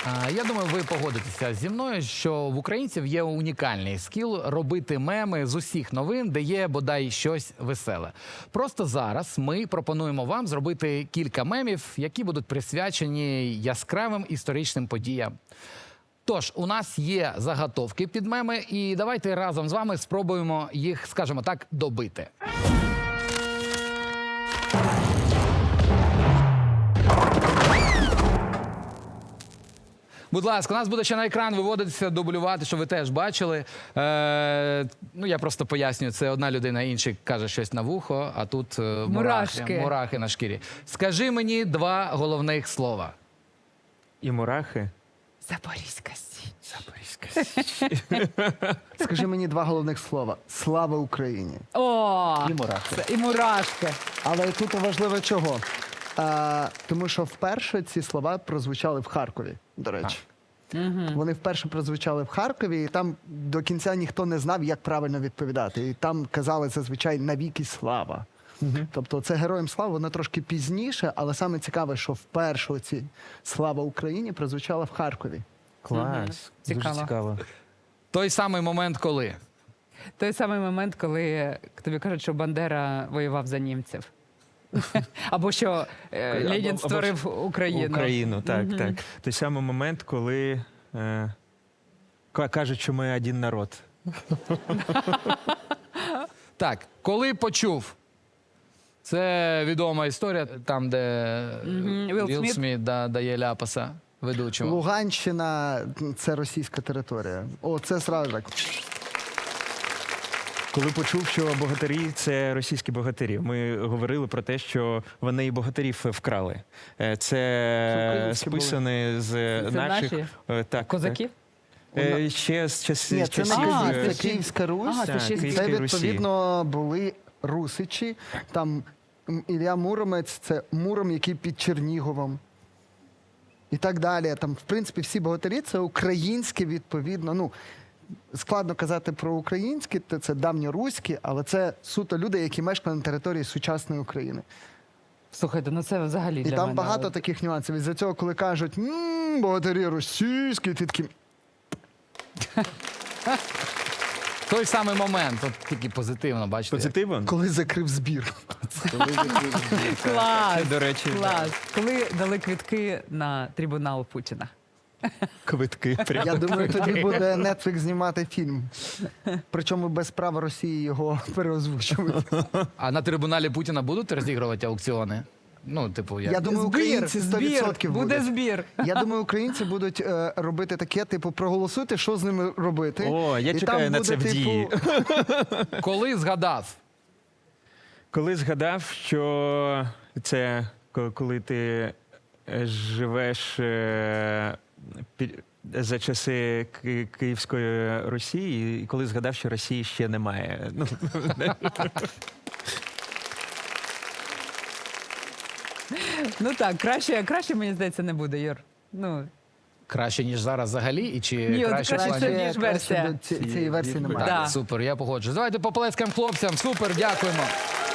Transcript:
Я думаю, ви погодитеся зі мною, що в українців є унікальний скіл робити меми з усіх новин, де є бодай щось веселе. Просто зараз ми пропонуємо вам зробити кілька мемів, які будуть присвячені яскравим історичним подіям. Тож, у нас є заготовки під меми, і давайте разом з вами спробуємо їх, скажімо так, добити. Будь ласка, у нас буде ще на екран виводитися, дублювати, щоб ви теж бачили. Я просто пояснюю, це одна людина, інший каже щось на вухо, а тут мурахи на шкірі. Скажи мені два головних слова. І мурахи. Запорізька Січ. Запорізька Січ. Скажи мені два головних слова. Слава Україні. О, І мурахи. і мурашки. Але тут важливо чого. Тому що вперше ці слова прозвучали в Харкові, до речі. Вони вперше прозвучали в Харкові, і там до кінця ніхто не знав, як правильно відповідати. І там казали зазвичай «навіки слава». Тобто це «Героям слава», воно трошки пізніше, але саме цікаве, що вперше оці «Слава Україні» прозвучала в Харкові. Клас. Дуже Цікаво. цікаво. Той самий момент, коли? Той самий момент, коли тобі кажуть, що Бандера воював за німців. Або що Ленін створив Україну. Україну, так, так. Той самий момент, коли кажуть, що ми один народ. Так, коли почув? Це відома історія, там, де Вілл Сміт дає ляпаса ведучому. Луганщина – це російська територія. О, це сразу так. Коли почув, що богатирі – це російські богатирі. Ми говорили про те, що вони і богатирів вкрали. Це списане з наших... Так, козаків? Ще з Ні, це часів... не Київ, це Київська Русь. це ще Київська Це, Русі. відповідно, були русичі. Там Ілля Муромець – це Муром, який під Черніговом. І так далі. Там, в принципі, всі богатирі – це українське, відповідно. Ну, складно казати про українське, це давньоруське, але це суто люди, які мешкали на території сучасної України. Слухайте, ну це взагалі І для там мене. багато таких нюансів. Із-за цього, коли кажуть, богатирі російські, ти такий... Той самий момент, от тільки позитивно, бачите. Позитивно? Коли закрив збір. Клас! До речі, Клас! Коли дали квитки на трибунал Путіна. квитки. Я думаю, тоді буде Netflix знімати фільм. Причому без права Росії його переозвучувати. А на трибуналі Путіна будуть розігрувати аукціони? Ну, типу, як? Я думаю, українці 100% буде будуть. збір. Я думаю, українці будуть робити таке, типу, проголосуйте, що з ними робити. О, я І чекаю там на буде, це в дії. Коли згадав? Коли згадав, що це коли ти живеш за часи Київської Росії, і коли згадав, що Росії ще немає. Ну так, краще, мені здається, не буде, Юр. Ну, Краще, ніж зараз взагалі? І чи Ні, от краще в краще, плані? ніж версія. Цієї версії немає. Так, Да. супер, я погоджуюсь. Давайте поплескаємо хлопцям. Супер, дякуємо.